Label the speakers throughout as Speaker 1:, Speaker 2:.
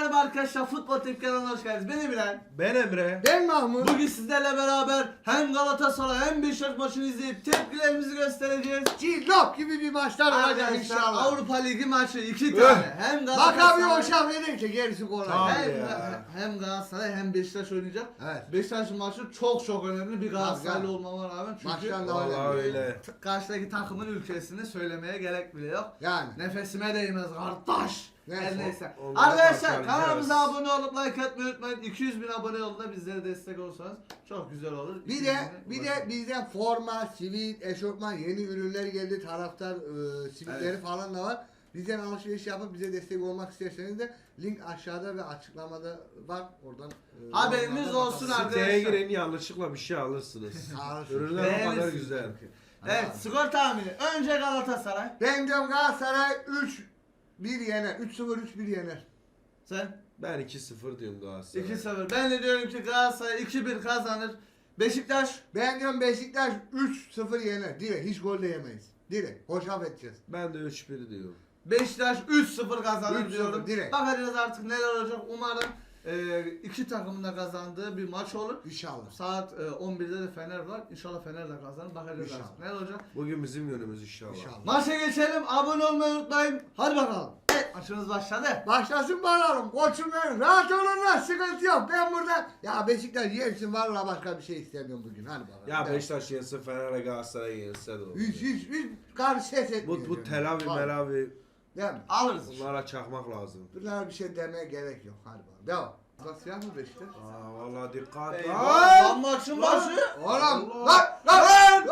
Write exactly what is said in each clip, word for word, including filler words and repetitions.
Speaker 1: merhaba arkadaşlar, Futbol Tip kanalına hoş geldiniz. Ben Emirhan.
Speaker 2: Ben Emre.
Speaker 3: Ben Mahmut.
Speaker 1: Bugün sizlerle beraber hem Galatasaray hem Beşiktaş maçını izleyip tepkilerimizi göstereceğiz.
Speaker 3: Cillop gibi bir maçlar olacak
Speaker 1: Arkadaşlar
Speaker 3: inşallah.
Speaker 1: Avrupa Ligi maçı iki tane. Hem
Speaker 3: Bak
Speaker 1: Galatasaray
Speaker 3: abi o şah edince gerisi kolay.
Speaker 2: Tamam.
Speaker 1: hem,
Speaker 2: ya.
Speaker 1: hem Galatasaray hem Beşiktaş oynayacak.
Speaker 3: Evet.
Speaker 1: Beşiktaş'ın maçı çok çok önemli bir Galatasaraylı
Speaker 3: Tabii.
Speaker 1: olmama rağmen çünkü
Speaker 3: Maçtan da
Speaker 2: Vallahi öyle.
Speaker 1: karşıdaki takımın ülkesini söylemeye gerek bile yok.
Speaker 3: Yani.
Speaker 1: Nefesime değmez kardeş.
Speaker 3: Neyse.
Speaker 1: Her neyse.
Speaker 2: O- o-
Speaker 1: Arkadaşlar
Speaker 2: o-
Speaker 1: kanalımıza abone olup like atmayı unutmayın. iki yüz bin abone yolunda bizlere destek olursanız çok güzel olur.
Speaker 3: Bir
Speaker 1: iki yüz
Speaker 3: de
Speaker 1: bine
Speaker 3: bir de
Speaker 1: ulaşalım.
Speaker 3: bizden forma, sivit, eşofman yeni ürünler geldi. Taraftar e, sivitleri
Speaker 1: Evet.
Speaker 3: falan da var. Bizden alışveriş yapıp bize destek olmak isterseniz de link aşağıda ve açıklamada var. Oradan e,
Speaker 1: Haberiniz
Speaker 3: yorumlarda
Speaker 1: olsun
Speaker 3: bakalım.
Speaker 1: abi.
Speaker 2: Siteye girin, yanlışlıkla bir şey alırsınız.
Speaker 3: Alırsın.
Speaker 2: Ürünler o kadar
Speaker 1: Beğenirsiniz
Speaker 2: güzel.
Speaker 1: Evet, skor tahmini. Önce Galatasaray.
Speaker 3: Ben diyorum Galatasaray üç bir yener. üç sıfır üç bir yener.
Speaker 1: Sen
Speaker 2: Ben iki sıfır diyorum Galatasaray.
Speaker 1: iki sıfır. Ben de diyorum ki Galatasaray iki bir kazanır. Beşiktaş
Speaker 3: Ben diyorum Beşiktaş üç sıfır yener. Direkt hiç gol de yemeyiz. Direkt hoşaf edeceğiz.
Speaker 2: Ben de üç bir diyorum.
Speaker 1: Beşiktaş üç sıfır kazanır
Speaker 3: üç sıfır
Speaker 1: diyorum.
Speaker 3: direkt.
Speaker 1: Bakacağız artık neler olacak. Umarım e, iki takımın da kazandığı bir maç olur.
Speaker 3: İnşallah.
Speaker 1: Saat e, on birde de Fener var. İnşallah Fener de kazanır. Bakacağız
Speaker 3: İnşallah.
Speaker 1: artık neler olacak.
Speaker 2: Bugün bizim yönümüz inşallah.
Speaker 3: İnşallah.
Speaker 1: Maça geçelim. Abone olmayı unutmayın. Hadi bakalım. Evet, maçımız başladı.
Speaker 3: Başlasın bakalım. Koçum benim. Rahat olun lan. Sıkıntı yok. Ben burada. Ya Beşiktaş yersin. Vallahi başka bir şey istemiyorum bugün. Hadi bakalım.
Speaker 2: Ya
Speaker 3: Ben-
Speaker 2: Beşiktaş yense, Fener'e Galatasaray yense de olur.
Speaker 3: Hiç hiç hiç karşı ses etmiyor.
Speaker 2: Bu, bu telavi
Speaker 3: Vallahi.
Speaker 2: melavi
Speaker 1: Değil mi? Alırız.
Speaker 2: bunlara çakmak lazım.
Speaker 3: Bunlara bir şey demeye gerek yok. Hadi bakalım. Devam. Bak siyah mı Beşiktaş?
Speaker 2: Aa vallahi dikkat.
Speaker 1: Eyvah.
Speaker 2: Lan!
Speaker 1: Lan maçın başı.
Speaker 3: Oğlum.
Speaker 2: Allah.
Speaker 3: Lan lan.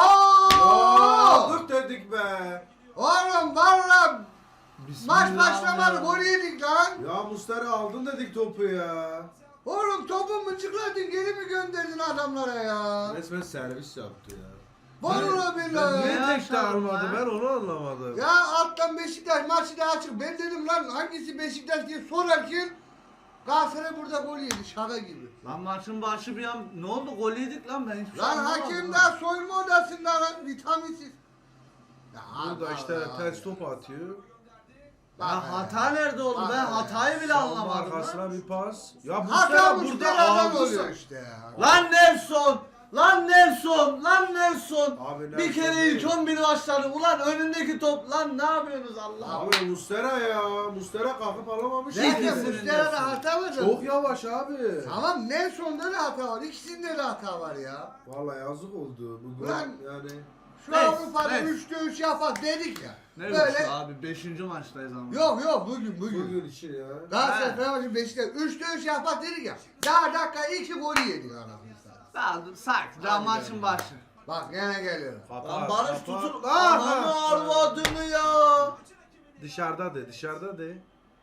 Speaker 3: Oha.
Speaker 2: Aa, dur dedik be.
Speaker 3: Oğlum valla. Maç
Speaker 1: Bismillah
Speaker 3: başlamadı.
Speaker 1: ya.
Speaker 3: Gol yedik lan.
Speaker 2: Ya Mustara aldın dedik topu ya.
Speaker 3: Oğlum topu mıncıkladın geri mi gönderdin adamlara ya?
Speaker 2: Resmen servis yaptı ya.
Speaker 3: Vallahi
Speaker 2: Ben
Speaker 3: billahi.
Speaker 2: niye
Speaker 1: Ne
Speaker 2: tek de
Speaker 1: yaşadım
Speaker 2: almadı
Speaker 1: lan?
Speaker 2: ben onu anlamadım.
Speaker 3: Ya alttan Beşiktaş maçı da açık. Ben dedim lan hangisi Beşiktaş diye sorarken Galatasaray burada gol yedi şaka gibi.
Speaker 1: Lan maçın başı bir an ne oldu? Gol yedik lan ben hiçbir şey
Speaker 3: Lan
Speaker 1: anlamadım
Speaker 3: hakem
Speaker 1: lan.
Speaker 3: daha soyunma odasında lan vitaminsiz. Ya
Speaker 2: Burada
Speaker 3: Allah
Speaker 2: işte
Speaker 3: Allah
Speaker 2: ters
Speaker 3: ya.
Speaker 2: top atıyor.
Speaker 3: Bak
Speaker 1: Ya
Speaker 3: ya.
Speaker 1: hata nerede oldu?
Speaker 3: Bak
Speaker 1: Ben
Speaker 3: ya.
Speaker 1: hatayı bile
Speaker 2: Savunma
Speaker 1: anlamadım
Speaker 2: arkasına
Speaker 1: lan.
Speaker 2: bir pas. Ya bu
Speaker 3: Hata
Speaker 2: sefer
Speaker 3: burada
Speaker 2: burada
Speaker 3: adam
Speaker 2: aldı
Speaker 3: oluyor
Speaker 2: sa-
Speaker 3: işte ya.
Speaker 1: Lan Nelson! Lan Nelson! Lan Nelson!
Speaker 2: Abi
Speaker 1: bir
Speaker 2: Nelson
Speaker 1: kere
Speaker 2: değil.
Speaker 1: ilk on bir başladı. Ulan önündeki top. Lan ne yapıyorsunuz Allah?
Speaker 2: Abi Mustera ya. Mustera kalkıp alamamış.
Speaker 1: Nerede
Speaker 3: Nerede
Speaker 1: İkisinin
Speaker 3: Mustera'da
Speaker 1: Nelson.
Speaker 3: hata var.
Speaker 2: Çok yavaş abi.
Speaker 3: Tamam Nelson'da da hata var. İkisinde de hata var ya.
Speaker 2: Vallahi yazık oldu. Bu gol
Speaker 3: Ulan-
Speaker 2: yani.
Speaker 3: Şu
Speaker 1: Neyse,
Speaker 3: Avrupa'da
Speaker 1: neyse.
Speaker 3: üçte üç yapar dedik ya.
Speaker 1: Ne
Speaker 3: Böyle
Speaker 1: Böyle... abi? Beşinci maçtayız ama.
Speaker 3: yok yok bugün bugün.
Speaker 2: Bugün için ya.
Speaker 3: Galatasaray
Speaker 1: Ha.
Speaker 3: Fenerbahçe Beşiktaş üçte üç yapar dedik ya. Daha dakika iki golü yedik anasını satayım.
Speaker 1: Daha dur sakin. Daha
Speaker 3: Hadi
Speaker 1: maçın
Speaker 3: canım.
Speaker 1: başı.
Speaker 3: Bak gene geliyorum.
Speaker 2: Kapat,
Speaker 1: Lan Barış
Speaker 2: kapat.
Speaker 1: tutun.
Speaker 2: Lan!
Speaker 1: Ananı arvadını ya.
Speaker 2: Dışarıda de, dışarıda de.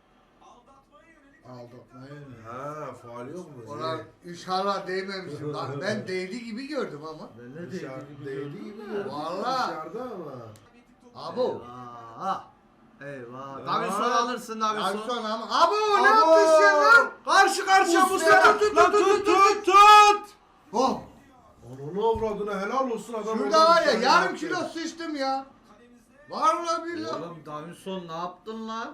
Speaker 3: Aldatmayın.
Speaker 2: Ha, faal yok mu?
Speaker 3: Ona inşallah değmemişim. Bak ben değdi gibi gördüm ama.
Speaker 1: Ben ne
Speaker 2: Dışarı değdi gibi ya.
Speaker 3: Vallahi.
Speaker 2: Dışarıda ama.
Speaker 3: Abo.
Speaker 1: Eyvah. Eyvah.
Speaker 2: Ya.
Speaker 1: Davison alırsın Davison.
Speaker 3: Davison ama. Abo ne
Speaker 2: Abo!
Speaker 3: yaptın sen lan?
Speaker 2: Karşı karşıya
Speaker 3: Muslera.
Speaker 2: Muslera tut tut tut tut tut.
Speaker 3: Oh.
Speaker 2: Onun avradına helal olsun adam.
Speaker 3: Şurada
Speaker 2: oradan
Speaker 3: var ya
Speaker 2: dışarı
Speaker 3: yarım
Speaker 2: yaptı.
Speaker 3: kilo sıçtım ya. Vallahi billahi.
Speaker 1: Oğlum Davison ne yaptın lan?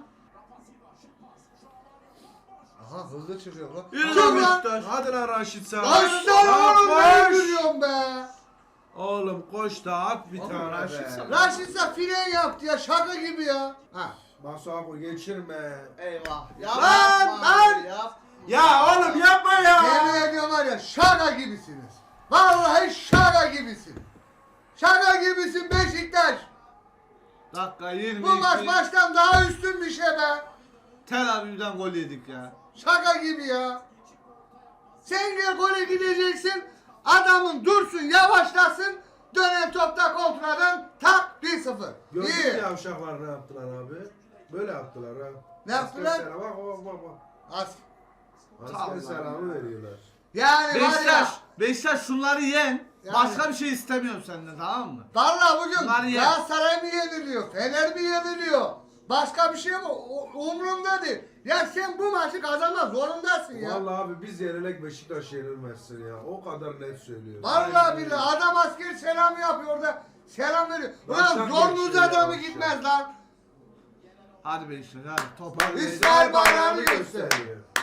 Speaker 3: Aha hızlı çıkıyor lan.
Speaker 1: Yürü
Speaker 3: Çık
Speaker 1: lan
Speaker 3: lan.
Speaker 1: Beşiktaş.
Speaker 2: Hadi lan Raşit sen.
Speaker 3: Lan sen oğlum ne gülüyorsun be?
Speaker 2: Oğlum koş da at bir
Speaker 1: Oğlum,
Speaker 2: tane
Speaker 1: Raşit
Speaker 2: be.
Speaker 1: sen-
Speaker 3: Raşit ise fren yaptı ya şaka gibi ya. Ha.
Speaker 2: Bas abi geçirme.
Speaker 1: Eyvah.
Speaker 3: Lan,
Speaker 1: Yapma
Speaker 3: lan.
Speaker 1: abi, Yap.
Speaker 2: Ya oğlum yapma ya.
Speaker 3: Yemin ediyorum var ya şaka gibisiniz. Vallahi şaka gibisin. Şaka gibisin Beşiktaş.
Speaker 1: Dakika yirmi
Speaker 3: Bu maç baştan daha üstün bir şey be.
Speaker 1: Tel Aviv'den gol yedik ya.
Speaker 3: Şaka gibi ya. Sen gel gole gideceksin. Adamın dursun yavaşlasın. Dönen topta kontradan tak bir sıfır.
Speaker 2: Gördün mü
Speaker 3: İyi.
Speaker 2: yavşaklar ne yaptılar abi? Böyle yaptılar ha.
Speaker 3: Ne yaptılar?
Speaker 2: Asker selamı, bak bak bak. bak.
Speaker 3: As.
Speaker 2: Asker
Speaker 1: Allah
Speaker 2: selamı
Speaker 1: Allah.
Speaker 2: veriyorlar.
Speaker 3: Yani var ya.
Speaker 1: Beşiktaş, Beşiktaş şunları yen.
Speaker 3: Yani.
Speaker 1: Başka bir şey istemiyorum senden, tamam mı?
Speaker 3: Vallahi bugün
Speaker 1: Bunlar ye.
Speaker 3: Galatasaray mı yeniliyor? Fener mi yeniliyor? Başka bir şey mi? O- Umurumda değil. Ya sen bu maçı kazanmak zorundasın ya.
Speaker 2: Vallahi abi biz yenilek Beşiktaş yenilmezsin ya. O kadar net söylüyorum.
Speaker 3: Vallahi billahi adam asker selam yapıyor da selam veriyor. Ulan
Speaker 2: Baştan
Speaker 3: zorunuz
Speaker 2: geçiyor
Speaker 3: adamı
Speaker 2: ya,
Speaker 3: gitmez lan.
Speaker 1: Hadi Beşiktaş hadi toparlayın.
Speaker 3: İsrail bayrağını gösteriyor.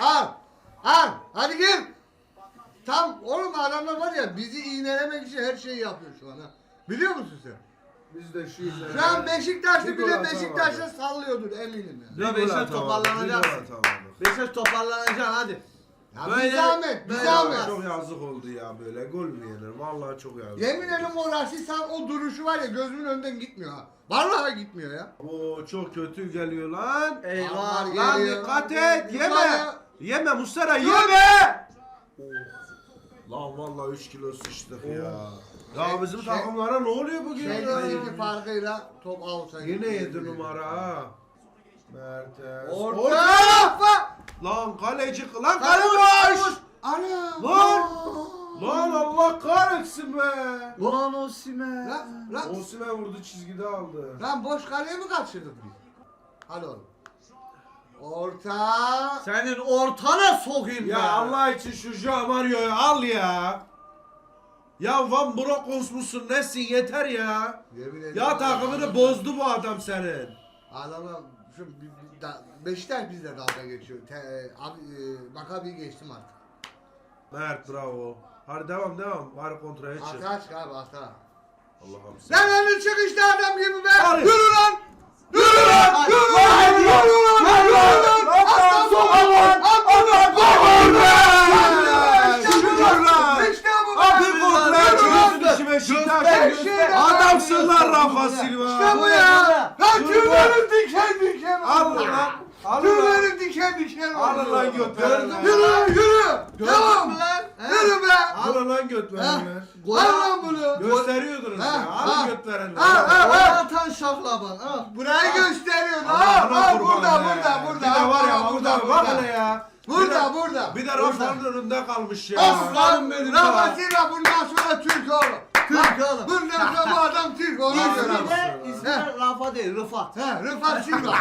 Speaker 3: Al. Al. Hadi gel. Tam oğlum adamlar var ya bizi iğnelemek için her şeyi yapıyor şu an ha. Biliyor musun sen?
Speaker 2: Biz de şu yüzden.
Speaker 3: Şu an Beşiktaşlı
Speaker 2: Bir gol
Speaker 3: bile
Speaker 2: atamadı.
Speaker 3: Beşiktaş'a sallıyordur eminim ya.
Speaker 1: Ya
Speaker 2: Bir gol
Speaker 1: Beşiktaş
Speaker 2: atamadı,
Speaker 1: toparlanacak.
Speaker 2: bir gol atamadı.
Speaker 1: Beşiktaş toparlanacaksın hadi.
Speaker 3: Ya
Speaker 1: Böyle-
Speaker 3: bir zahmet, bir
Speaker 1: böyle
Speaker 3: zahmet.
Speaker 1: olmaz.
Speaker 2: Çok yazık oldu ya böyle. Gol mü yenir? Vallahi çok yazık.
Speaker 3: Yemin ederim o Rashisan o duruşu var ya gözümün önünden gitmiyor ha. Vallahi gitmiyor ya.
Speaker 2: Oo çok kötü geliyor lan.
Speaker 1: Eyvah.
Speaker 3: Aman
Speaker 2: Lan
Speaker 3: geliyor.
Speaker 2: dikkat et. Yeme.
Speaker 3: Yukarı.
Speaker 2: Yeme Muslera yeme. Lan vallahi üç kilo sıçtık ya. Ya
Speaker 3: Şey-
Speaker 2: bizim
Speaker 3: şey-
Speaker 2: takımlara ne oluyor bugün ya?
Speaker 3: Chelsea farkıyla top out'a
Speaker 2: Yine
Speaker 3: gitti.
Speaker 2: yedi numara ha. Mertens.
Speaker 3: Orta. Orta.
Speaker 2: Lan kaleci lan
Speaker 3: Kale
Speaker 2: kale
Speaker 3: boş.
Speaker 2: boş.
Speaker 3: Ana.
Speaker 2: Lan. Lan Allah kahretsin be.
Speaker 1: Ulan Osimhen.
Speaker 3: Lan, lan,
Speaker 2: Osimhen vurdu çizgide aldı.
Speaker 3: lan boş kaleye mi kaçırdık biz? Hadi oğlum. Orta.
Speaker 1: Senin ortana sokayım
Speaker 2: Ya
Speaker 1: ben.
Speaker 2: Allah için şu Joao Mario'yu al ya. Ya Van Bronckhorst musun nesin yeter ya.
Speaker 3: Yemin ederim.
Speaker 2: Ya takımını bozdu bu adam senin.
Speaker 3: Adamlar şu bir- bir da- Beşiktaş bizle dalga geçiyor. Te, abi, e, Makabi'yi geçtim artık.
Speaker 2: Mert bravo. Hadi devam devam. Bari kontraya çık.
Speaker 3: Atağa çık abi atağa.
Speaker 2: Allah'ım sen.
Speaker 3: Lan önü çık işte adam gibi be.
Speaker 2: Hadi.
Speaker 3: Yürü lan. Yürü lan.
Speaker 1: Hadi.
Speaker 3: Yürü lan.
Speaker 2: Hadi.
Speaker 3: Yürü lan.
Speaker 2: Hadi.
Speaker 3: Yürü lan. Aslan
Speaker 2: Hadi.
Speaker 3: baba lan. Aslan baba lan. İşte bu
Speaker 2: Şükür
Speaker 3: be.
Speaker 2: lan.
Speaker 3: İşte bu be.
Speaker 2: Abi kontraya
Speaker 3: Yürü lan.
Speaker 2: çıkıyorsun işi Beşiktaş.
Speaker 3: Beşiktaş.
Speaker 2: Adamsın lan Rafa Silva.
Speaker 3: İşte bu ya. Lan tüylerim diken diken.
Speaker 2: Al lan. Al lan.
Speaker 3: Tüylerim diken diken.
Speaker 2: Al
Speaker 3: oldu.
Speaker 2: lan göt
Speaker 1: Gördün mü?
Speaker 3: Yürü lan yürü.
Speaker 1: Gördün
Speaker 3: Tamam.
Speaker 1: mü lan? He?
Speaker 3: Yürü be.
Speaker 2: Al lan göt verenler.
Speaker 1: Gol
Speaker 3: Al lan bunu.
Speaker 2: Gösteriyordunuz
Speaker 3: Ha,
Speaker 2: ya.
Speaker 3: ha.
Speaker 2: Al göt verenler.
Speaker 3: Ha, ha.
Speaker 1: Gol atan şaklaban. Al.
Speaker 3: Burayı gösteriyorsun.
Speaker 2: Allah'ına
Speaker 3: Ha, ha,
Speaker 2: kurban
Speaker 3: burada,
Speaker 2: be.
Speaker 3: burada, burada.
Speaker 2: Bir de var ya
Speaker 3: Ha,
Speaker 2: burada bak hele ya.
Speaker 3: Burada,
Speaker 2: Bir de-
Speaker 3: burada.
Speaker 2: Bir de Rafa'nın önünde kalmış ya.
Speaker 3: Aslan
Speaker 1: benim
Speaker 3: Rafa
Speaker 1: ya.
Speaker 3: Silva bundan sonra Türk oğlum.
Speaker 1: Türk
Speaker 3: Ha,
Speaker 1: oğlum.
Speaker 3: Bundan sonra bu adam Türk ona göre.
Speaker 1: İsmi de,
Speaker 3: He.
Speaker 1: ismi de Rafa değil, Rıfat.
Speaker 3: He, Rıfat Silva.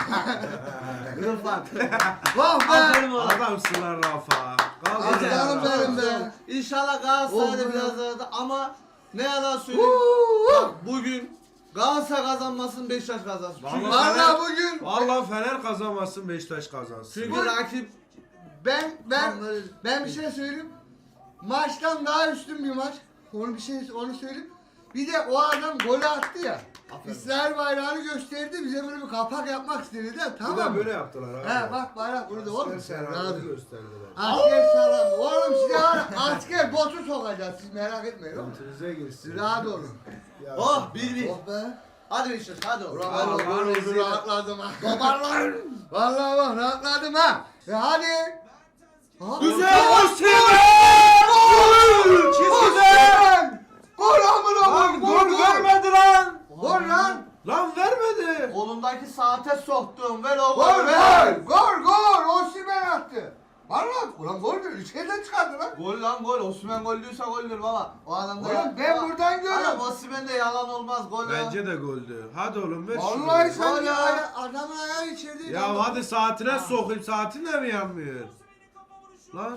Speaker 1: Rıfat.
Speaker 3: Vah be.
Speaker 1: Aferin oğlum.
Speaker 2: Adamsın lan Rafa.
Speaker 3: Aslanım benim be.
Speaker 1: İnşallah Galatasaray'da
Speaker 3: Oh be.
Speaker 1: biraz arada ama ne yalan söyleyeyim.
Speaker 3: Huu.
Speaker 1: Bak bugün Galatasaray kazanmasın, Beşiktaş kazansın. Çünkü,
Speaker 2: Vallahi-
Speaker 3: Valla bugün
Speaker 2: Vallahi Fener kazanmasın Beşiktaş kazansın.
Speaker 1: çünkü
Speaker 3: Bu-
Speaker 1: rakip
Speaker 3: ben ben
Speaker 1: Tam böyle-
Speaker 3: ben bir şey söyleyeyim. Maçtan daha üstün bir maç. Onu bir şey onu söyleyeyim. Bir de o adam golü attı ya.
Speaker 1: Aferin.
Speaker 3: İsrail bayrağını gösterdi. Bize böyle bir kapak yapmak istedi de
Speaker 2: Bir
Speaker 3: tamam
Speaker 2: de
Speaker 3: mı?
Speaker 2: böyle yaptılar abi.
Speaker 3: He bak bayrak burada oğlum.
Speaker 2: Asker
Speaker 3: Sen
Speaker 2: selamını
Speaker 3: rahat ol.
Speaker 2: gösterdiler.
Speaker 3: Asker salam. Oğlum size var ya, asker botu sokacağız. Siz merak etmeyin oğlum.
Speaker 2: Götünüze girsin.
Speaker 3: Siz rahat olun.
Speaker 2: Ya.
Speaker 1: oh bir bir.
Speaker 3: Oh be.
Speaker 1: Hadi Beşiktaş hadi oğlum.
Speaker 3: Bravo,
Speaker 1: Hadi oğlum.
Speaker 3: bravo,
Speaker 1: Rezil.
Speaker 3: rahatladım ha. Toparlan. Vallahi bak rahatladım ha. E hadi. Ha?
Speaker 2: Güzel
Speaker 3: Gol!
Speaker 2: Osimhen!
Speaker 3: Gol!
Speaker 2: Çizgide!
Speaker 3: Osimhen! Gol amına
Speaker 2: Lan
Speaker 3: koyayım,
Speaker 2: gol vermedi lan!
Speaker 3: Gol lan!
Speaker 2: Lan vermedi!
Speaker 1: Kolundaki saate soktum. Ver o
Speaker 3: Gol
Speaker 1: golü
Speaker 3: ver! Gol gol! Osimhen attı. Vallahi ulan gol mü? İçeriden çıkardı lan.
Speaker 1: Gol lan gol. Osimhen gol diyorsa goldür baba. O adam da
Speaker 3: Oğlum ben buradan görüyorum.
Speaker 1: Adam Osimhen'de yalan olmaz gol. ya.
Speaker 2: Bence de goldü. Hadi oğlum ver şunu.
Speaker 3: Vallahi sen
Speaker 1: Gol
Speaker 3: ya.
Speaker 1: ya.
Speaker 3: Adamın ayağı içerideydi.
Speaker 2: Ya hadi saatine sokayım. Saatin de mi yanmıyor? Lan.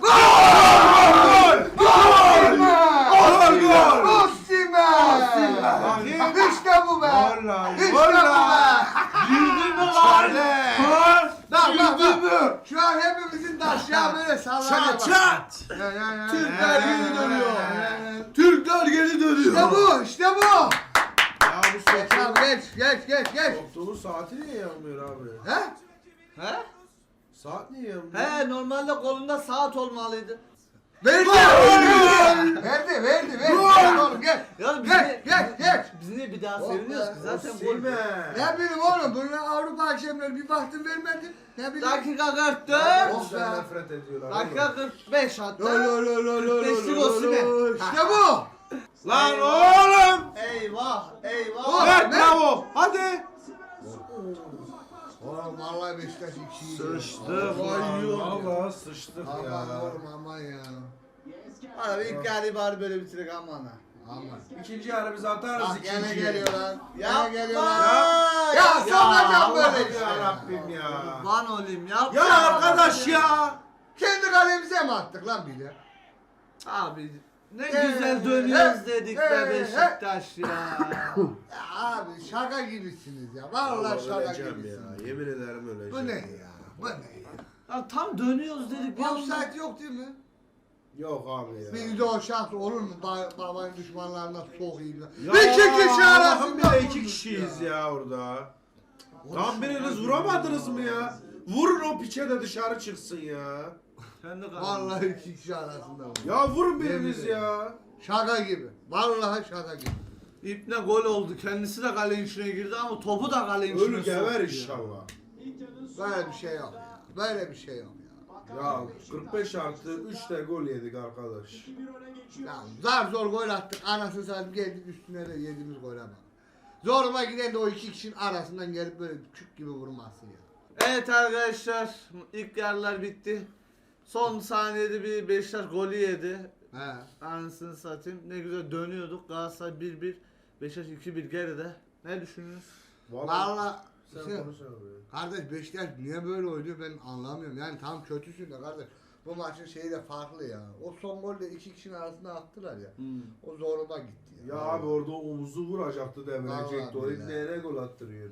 Speaker 3: Gol! Gol!
Speaker 2: Gol, gol!
Speaker 3: Osimhen!
Speaker 2: Bakayım.
Speaker 3: İşte bu be!
Speaker 2: Gol lan,
Speaker 3: İşte
Speaker 2: gol
Speaker 3: bu
Speaker 2: lan.
Speaker 3: be!
Speaker 1: Girdin mi lan?
Speaker 2: Çare!
Speaker 3: Bak bak
Speaker 2: Girdin
Speaker 3: bak!
Speaker 2: mi?
Speaker 3: Şu an hepimizin taşyağı böyle sallanıyor.
Speaker 2: Çat çat!
Speaker 3: Ya, ya, ya,
Speaker 1: Türkler
Speaker 3: ya,
Speaker 1: geri
Speaker 3: ya,
Speaker 1: dönüyor.
Speaker 3: ya, ya.
Speaker 1: Türkler geri dönüyor.
Speaker 3: İşte bu, işte bu.
Speaker 2: Ya bu
Speaker 3: Geç abi
Speaker 2: soktuğun,
Speaker 3: geç, geç, geç, geç.
Speaker 2: soktuğun saati niye yanmıyor abi?
Speaker 3: He?
Speaker 1: He?
Speaker 2: Saat niye yanmıyor?
Speaker 1: He normalde kolunda saat olmalıydı.
Speaker 3: Verdi, verdi, verdi, verdi, verdi. Gel oğlum gel.
Speaker 1: Ya biz
Speaker 3: Geç,
Speaker 1: niye,
Speaker 3: geç, geç.
Speaker 1: biz niye bir daha
Speaker 3: Oh
Speaker 1: seviniyoruz
Speaker 3: be,
Speaker 1: ki zaten gol.
Speaker 2: Osimhen!
Speaker 3: Ne bileyim oğlum, bunlar Avrupa akşamları bir baktım vermedi. Ne bileyim.
Speaker 1: Dakika kırk
Speaker 2: Ya,
Speaker 1: dört.
Speaker 3: Oh
Speaker 2: bizden
Speaker 3: be.
Speaker 2: nefret ediyorlar.
Speaker 1: Dakika
Speaker 2: oğlum.
Speaker 1: kırk beş hatta.
Speaker 3: Lo, lo, lo, lo, lo,
Speaker 1: Beşlik
Speaker 3: lo, lo,
Speaker 1: Osimhen.
Speaker 3: lo. İşte bu.
Speaker 2: Lan
Speaker 1: Eyvah.
Speaker 2: oğlum!
Speaker 1: Eyvah eyvah.
Speaker 3: Gol.
Speaker 2: Ver
Speaker 3: ne?
Speaker 2: bravo! Hadi!
Speaker 3: Oğlum vallahi Beşiktaş iki.
Speaker 2: Sıçtık
Speaker 3: Vallahi
Speaker 2: lan.
Speaker 3: yiyorum ya.
Speaker 2: Valla sıçtık
Speaker 3: Aman
Speaker 2: ya.
Speaker 3: oğlum aman ya.
Speaker 1: Abi ilk yarı bari böyle bitirek aman ha.
Speaker 3: Aman.
Speaker 2: İkinci yarı biz atarız
Speaker 3: Bak
Speaker 2: ikinci.
Speaker 3: gene geliyor lan. Gene
Speaker 1: Yapma.
Speaker 3: geliyor lan.
Speaker 2: Ya.
Speaker 3: Ya sokacağım böyle
Speaker 2: Allah'ım
Speaker 3: işte.
Speaker 2: ya Rabbim ya.
Speaker 1: Van olayım yapma.
Speaker 2: Ya arkadaş ya.
Speaker 3: Kendi kalemize mi attık lan bir de?
Speaker 1: Abi ne
Speaker 3: Ee,
Speaker 1: güzel dönüyoruz
Speaker 3: he,
Speaker 1: dedik
Speaker 3: he,
Speaker 1: be
Speaker 3: he.
Speaker 1: Beşiktaş ya.
Speaker 3: Ya abi şaka gibisiniz ya. Vallahi şaka
Speaker 2: öleceğim
Speaker 3: gibisiniz.
Speaker 2: ya. Yemin ederim öleceğim.
Speaker 3: Bu ne ya? Bu ne ya?
Speaker 1: Ya tam dönüyoruz dedik. bir anda-
Speaker 3: Offside yok değil mi?
Speaker 2: Yok abi ya.
Speaker 3: Bir de o şans olur mu? Ba babanın düşmanlarına sokayım.
Speaker 2: Ya
Speaker 3: İki kişi
Speaker 2: Allah'ım
Speaker 3: arasında
Speaker 2: bile iki
Speaker 3: vurmuş
Speaker 2: kişiyiz
Speaker 3: ya.
Speaker 2: ya, orada. Tam biriniz vuramadınız mı ya? Vurun o piçe de dışarı çıksın ya.
Speaker 1: Sen de kaldın.
Speaker 3: Vallahi iki kişi arasında vurmuş.
Speaker 2: Ya vurun biriniz
Speaker 3: Yemin
Speaker 2: ya.
Speaker 3: Şaka gibi. Vallahi şaka gibi.
Speaker 1: İpne gol oldu. Kendisi de kalenin içine girdi ama topu da kalenin içine
Speaker 2: Ölü gever
Speaker 1: soktu ya.
Speaker 2: inşallah.
Speaker 3: Böyle bir şey yok ya. Böyle bir şey yok ya.
Speaker 2: Ya kırk beş artı üç de gol yedik arkadaş.
Speaker 3: Ya zar zor gol attık. Anasını satayım geldik üstüne de yediğimiz gole bak. Zoruma giden de o iki kişinin arasından gelip böyle küçük gibi vurması ya.
Speaker 1: Evet arkadaşlar, ilk yarılar bitti. Son saniyede bir Beşiktaş golü yedi.
Speaker 3: He.
Speaker 1: Anasını satayım. Ne güzel dönüyorduk. Galatasaray bir bir, Beşiktaş iki bir geride. Ne düşünüyorsunuz?
Speaker 3: Vallahi
Speaker 2: Sen
Speaker 3: şey,
Speaker 2: konuş abi.
Speaker 3: kardeş Beşiktaş niye böyle oynuyor ben anlamıyorum. Yani tam kötüsün de kardeş. Bu maçın şeyi de farklı ya. O son golde iki kişinin arasında attılar ya.
Speaker 1: Hmm.
Speaker 3: O zoruma gitti ya.
Speaker 2: Ya abi orada omuzu vuracaktı, devirecekti. O
Speaker 3: Vallahi
Speaker 2: iplere gol attırıyor.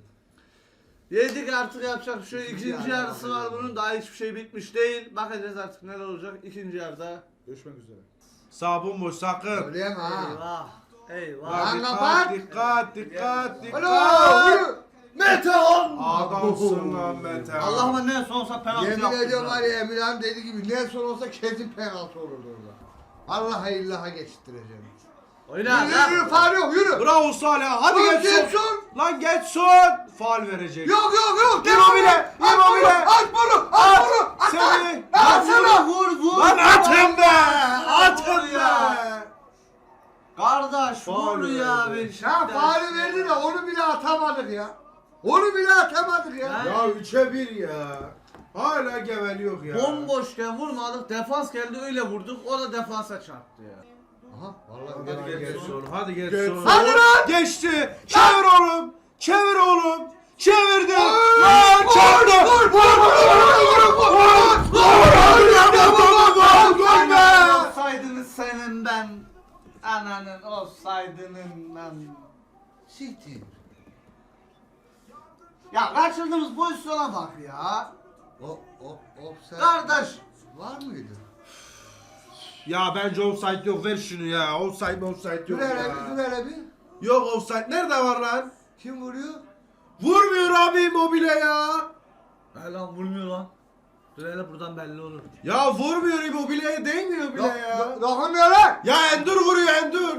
Speaker 1: Yedik artık, yapacak bir şey yok.
Speaker 3: İkinci
Speaker 1: İkinci
Speaker 3: yarı
Speaker 1: yarısı var
Speaker 3: bakacağız.
Speaker 1: bunun. Daha hiçbir şey bitmiş değil. Bakacağız artık neler olacak. İkinci yarıda görüşmek üzere.
Speaker 2: Sağ bomboş sakın.
Speaker 3: Söyleyemem ha.
Speaker 1: Eyvah. Eyvah.
Speaker 3: Lan
Speaker 2: Dikkat,
Speaker 3: kapat.
Speaker 2: dikkat, dikkat,
Speaker 3: Alo.
Speaker 2: dikkat.
Speaker 3: yürü.
Speaker 1: Metehan!
Speaker 2: Adamsın lan Mete.
Speaker 1: Allah'ıma ne sonsa penaltı
Speaker 3: Yemin
Speaker 1: yaptın
Speaker 3: ediyorum
Speaker 1: ya.
Speaker 3: var ya Emirhan dediği gibi Nelson olsa kesin penaltı olurdu orada. Vallahi illaha geçittireceğim.
Speaker 1: Oyna
Speaker 3: Yürü yürü
Speaker 1: lan.
Speaker 3: faul yok yürü.
Speaker 2: Bravo Salih. Hadi
Speaker 3: Lan
Speaker 2: geç son.
Speaker 3: Getson.
Speaker 2: Lan geç son. Faul verecek.
Speaker 3: Yok yok yok.
Speaker 2: Immobile,
Speaker 3: At bunu,
Speaker 2: Immobile.
Speaker 3: At bunu. At bunu. At
Speaker 2: Seni.
Speaker 3: At sana.
Speaker 1: Vur vur.
Speaker 2: Lan atın be.
Speaker 1: Vur
Speaker 2: Atın
Speaker 1: ya.
Speaker 2: be.
Speaker 1: Kardeş
Speaker 2: Faul
Speaker 1: vur ya
Speaker 2: verdi.
Speaker 1: Beşiktaş.
Speaker 3: Ya faulü verdi de onu bile atamadık ya. Onu bile atamadık ya.
Speaker 1: Ya.
Speaker 2: Ya üçe bir ya. Hala geveliyor ya.
Speaker 1: Bomboşken vurmadık. Defans geldi öyle vurduk. O da defansa çarptı ya.
Speaker 3: Aha vallahi
Speaker 2: Hadi
Speaker 3: ya,
Speaker 2: geç
Speaker 3: geç.
Speaker 2: son. Hadi geç
Speaker 3: Geç
Speaker 2: son.
Speaker 3: son. Hadi lan.
Speaker 2: Geçti. Çevir oğlum. Çevir oğlum. Çevirdi.
Speaker 3: Vur,
Speaker 2: Lan çarptı.
Speaker 3: Vur vur vur vur vur vur
Speaker 2: Gol be.
Speaker 1: Olsaydınız senin ben. Ananın olsaydının ben.
Speaker 3: Siktir.
Speaker 1: Ya kaçırdığımız pozisyona bak ya.
Speaker 3: O o o sen.
Speaker 1: Kardeş.
Speaker 3: Var mıydı?
Speaker 2: Ya bence offside yok. Ver şunu ya. Offside mi offside yok
Speaker 3: Dur hele bir dur
Speaker 2: ya.
Speaker 3: hele bir.
Speaker 2: Yok offside. Nerede var lan?
Speaker 3: Kim vuruyor?
Speaker 2: Vurmuyor abi Immobile ya.
Speaker 1: He lan vurmuyor lan. Dur hele buradan belli olur.
Speaker 2: Ya vurmuyor Immobile'ye değmiyor bile ya.
Speaker 3: Dokunmuyor lan.
Speaker 2: Ya Endur vuruyor Endur.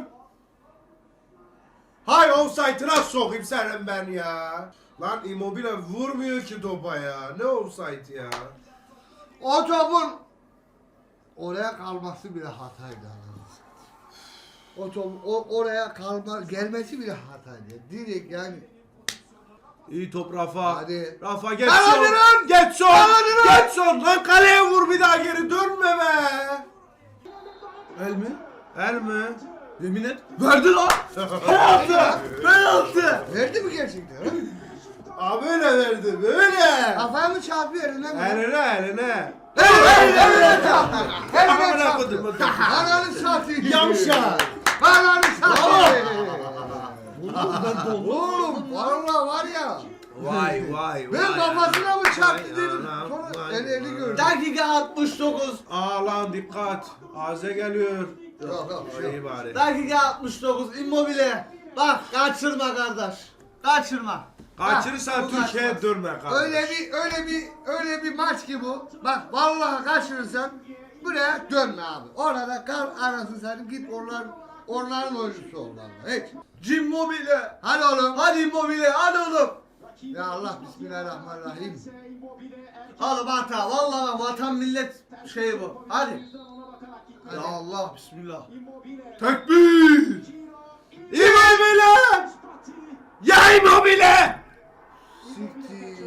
Speaker 2: Hay offside'ına sokayım senin ben ya. Lan Immobile vurmuyor ki topa ya. Ne offside ya?
Speaker 3: O topun oraya kalması bile hataydı. O top o, oraya kalma gelmesi bile hataydı. Direkt yani.
Speaker 2: İyi top Rafa.
Speaker 3: Hadi.
Speaker 2: Rafa geç
Speaker 3: Hadi
Speaker 2: son.
Speaker 3: lan.
Speaker 2: Geç son.
Speaker 3: Hadi lan.
Speaker 2: Geç son. Lan kaleye vur bir daha geri dönme be.
Speaker 1: El mi?
Speaker 2: El mi?
Speaker 1: Yemin et. Verdi lan. Penaltı. Penaltı.
Speaker 3: Verdi mi gerçekten? ha?
Speaker 2: Abi öyle verdi böyle.
Speaker 3: Kafaya mı çarpıyor eline mi?
Speaker 2: Eline eline.
Speaker 3: Eline çarptı. Eline
Speaker 2: Amına
Speaker 3: çarptı.
Speaker 2: koydum.
Speaker 3: Ananı satayım.
Speaker 2: Yavşak.
Speaker 3: Ananı satayım.
Speaker 1: Ben doldum.
Speaker 3: Oğlum valla var ya.
Speaker 2: Vay vay vay.
Speaker 3: Ben kafasına mı çarptı
Speaker 2: Vay
Speaker 3: dedim.
Speaker 2: anam,
Speaker 3: Sonra
Speaker 2: vay
Speaker 3: el eli
Speaker 2: anam.
Speaker 3: gördüm.
Speaker 1: Dakika altmış dokuz.
Speaker 2: Aa lan dikkat. Aze geliyor.
Speaker 3: Yok yok bir şey
Speaker 2: İyi
Speaker 3: yok.
Speaker 2: bari.
Speaker 1: Dakika altmış dokuz. Immobile. Bak kaçırma kardeş. Kaçırma.
Speaker 2: Kaçırırsan
Speaker 1: Bak, bu
Speaker 2: Türkiye'ye
Speaker 1: kaçmaz.
Speaker 2: dönme kardeş.
Speaker 3: Öyle bir öyle bir öyle bir maç ki bu. Bak vallahi kaçırırsan buraya dönme abi. Orada kal anasını satayım git onların onların oyuncusu ol vallahi. Hiç.
Speaker 1: Immobile.
Speaker 3: Hadi oğlum.
Speaker 1: Hadi Immobile. Hadi oğlum.
Speaker 3: Ya Allah bismillahirrahmanirrahim.
Speaker 1: Oğlum hata. Vallahi vatan millet şeyi bu. Hadi. Ya Allah bismillah.
Speaker 2: Tekbir! Immobile! Ya Immobile!
Speaker 3: Siktir.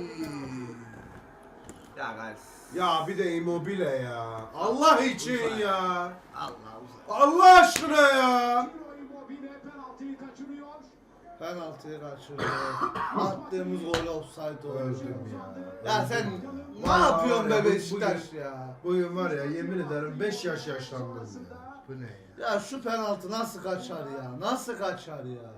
Speaker 1: Ya guys.
Speaker 2: Ya bir de Immobile ya. Allah için ya.
Speaker 1: Allah
Speaker 2: Allah aşkına ya.
Speaker 1: Penaltıyı kaçırıyor. Attığımız gol offside oldu.
Speaker 2: Öldüm ya.
Speaker 1: Ya sen ne
Speaker 2: Vallahi
Speaker 1: yapıyorsun
Speaker 2: var ya,
Speaker 1: be
Speaker 2: bu-
Speaker 1: Beşiktaş
Speaker 2: bugün-
Speaker 1: ya?
Speaker 2: Bugün var ya yemin ederim beş yaş yaşlandım ya.
Speaker 3: Bu ne ya?
Speaker 1: Ya şu penaltı nasıl kaçar ya? Nasıl kaçar ya?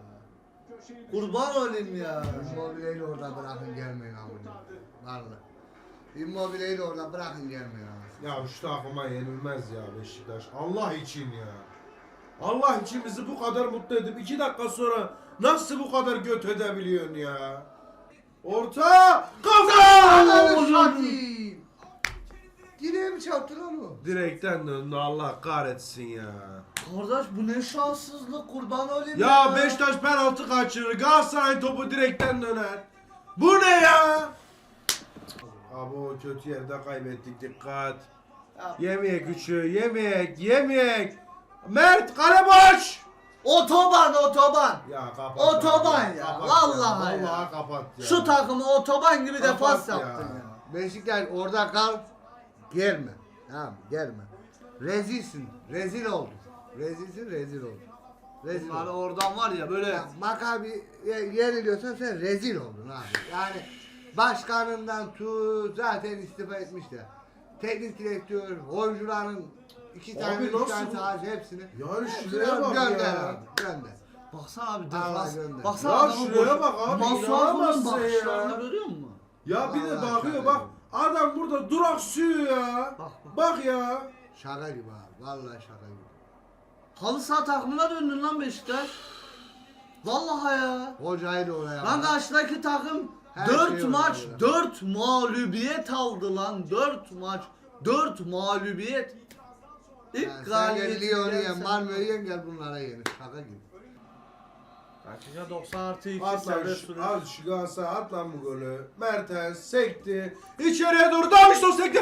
Speaker 1: Kurban olayım ya.
Speaker 3: Immobile'yi orada bırakın gelmeyin amına. Vallahi. Immobile'yi de orada bırakın gelmiyor.
Speaker 2: Ya şu takıma yenilmez ya Beşiktaş. Allah için ya. Allah için bizi bu kadar mutlu edip iki dakika sonra nasıl bu kadar göt edebiliyorsun ya? Orta! Kafa!
Speaker 3: Ananı satayım. Direğe mi çarptı lan o?
Speaker 2: Direkten döndü Allah kahretsin ya.
Speaker 1: Kardeş bu ne şanssızlık kurban olayım
Speaker 2: Ya Beşiktaş penaltı kaçırır. Galatasaray topu direkten döner. Bu ne ya? Abi o kötü yerde kaybettik dikkat.
Speaker 1: Ya,
Speaker 2: Yemeyek üçü, yemeyek, yemeyek. Mert kale boş.
Speaker 1: otoban otoban.
Speaker 2: Ya kapat.
Speaker 1: Otoban
Speaker 2: abi,
Speaker 1: ya,
Speaker 2: kapat
Speaker 1: vallahi ya.
Speaker 2: Vallahi kapat ya.
Speaker 1: Şu takımı otoban gibi
Speaker 2: Kapat
Speaker 1: defans
Speaker 2: ya.
Speaker 1: yaptın ya.
Speaker 3: Beşiktaş orada kal. Gelme. Tamam gelme. Rezilsin. Rezil oldun. Rezilsin rezil oldun. Rezil
Speaker 1: Bunlar
Speaker 3: oldun.
Speaker 1: oradan var ya böyle
Speaker 3: Ya, Maccabi ye- yeniliyorsan sen rezil oldun abi. Yani başkanından tut zaten istifa etmişler. Teknik direktör, oyuncuların iki
Speaker 2: Abi
Speaker 3: tane, üç
Speaker 2: nasıl
Speaker 3: tane
Speaker 2: bu?
Speaker 3: sahası hepsini.
Speaker 2: Yani
Speaker 3: hepsini
Speaker 2: şuraya bak
Speaker 3: gönder
Speaker 2: ya.
Speaker 3: abi, gönder.
Speaker 1: baksana abi
Speaker 3: Allah
Speaker 1: defans.
Speaker 3: gönder.
Speaker 1: Baksana
Speaker 2: Ya
Speaker 1: adamın
Speaker 2: şuraya
Speaker 1: boş-
Speaker 2: bak abi,
Speaker 1: Masuaku'nun
Speaker 2: inanamazsın
Speaker 1: bakışlarını
Speaker 2: ya.
Speaker 1: görüyor musun?
Speaker 2: Ya bir de
Speaker 3: Vallahi
Speaker 2: bakıyor
Speaker 3: şaka
Speaker 2: bak.
Speaker 3: gibi.
Speaker 2: Adam burada duraksıyor ya.
Speaker 1: Bak, bak.
Speaker 2: Bak ya.
Speaker 3: Şaka gibi abi. Vallahi şaka gibi.
Speaker 1: Halı saha takımına döndün lan Beşiktaş. Vallahi ya.
Speaker 3: Hocayı da oraya
Speaker 1: Lan
Speaker 3: al.
Speaker 1: karşıdaki takım
Speaker 3: Her
Speaker 1: dört
Speaker 3: şey
Speaker 1: maç
Speaker 3: oldu ya.
Speaker 1: dört mağlubiyet aldı lan. dört maç dört mağlubiyet. İlk
Speaker 3: Yani sen gel
Speaker 1: galibiyeti
Speaker 3: Lyon'u yen,
Speaker 1: gelsen-
Speaker 3: Malmö'yü yen gel bunlara yenir. Şaka gibi.
Speaker 1: Dakika doksan artı iki
Speaker 2: At lan
Speaker 1: serbest
Speaker 2: şu,
Speaker 1: süre.
Speaker 2: al şu Galatasaray at lan bu golü. Mertens sekti. İçeriye doğru Davinson sekti.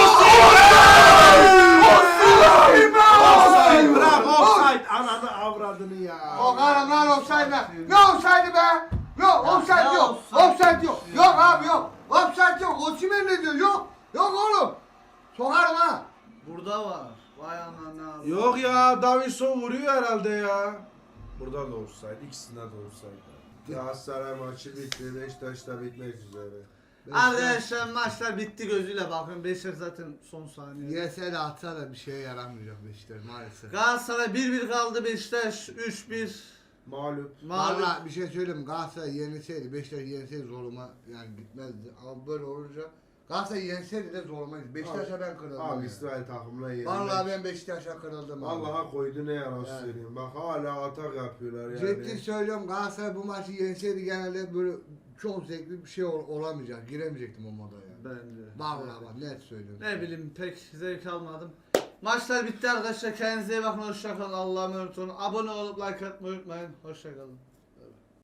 Speaker 2: Offside bırak offside. Ananı avradını ya.
Speaker 3: O karım lan offside be. Ne offside be? Yok offside
Speaker 1: ne
Speaker 3: yok.
Speaker 1: offside?
Speaker 3: Offside yok. Yok abi yok. Offside yok. Osimhen ne diyor? Yok. Yok oğlum. Sokarım ha.
Speaker 1: Burada var. Vay anana. abi.
Speaker 2: Yok ya Davinson vuruyor herhalde ya. Burada da offside. İkisinde de offside. Galatasaray maçı bitti. Beşiktaş da bitmek üzere.
Speaker 1: Arkadaşlar maçlar bitti gözüyle bakın. Beşiktaş zaten son saniye.
Speaker 3: Yese de atsa da bir şeye yaramayacak Beşiktaş maalesef.
Speaker 1: Galatasaray bir bir kaldı, Beşiktaş üç bir.
Speaker 2: Mağlup.
Speaker 1: Mağlup.
Speaker 3: Valla bir şey söyleyeyim mi? Galatasaray yenilseydi, Beşiktaş yenilseydi zoruma yani gitmezdi. Ama böyle olunca Galatasaray yenseydi de zoruma gitti. Beşiktaş'a ben kırıldım.
Speaker 2: Abi
Speaker 3: yani.
Speaker 2: İsrail takımına yenilmek.
Speaker 3: Vallahi ben Beşiktaş'a kırıldım. abi.
Speaker 2: Allah'a koydu ne yalan
Speaker 3: Yani.
Speaker 2: söyleyeyim. Bak hala atak yapıyorlar yani.
Speaker 3: Ciddi söylüyorum Galatasaray bu maçı yenseydi genelde böyle çok zevkli bir şey ol- olamayacak. Giremeyecektim o moda yani.
Speaker 1: Ben de.
Speaker 3: Vallahi bak net söylüyorum.
Speaker 1: Ne bileyim pek zevk almadım. Maçlar bitti arkadaşlar. Kendinize iyi bakın. Hoşçakalın. Allah'a emanet olun. Abone olup like atmayı unutmayın. Hoşçakalın.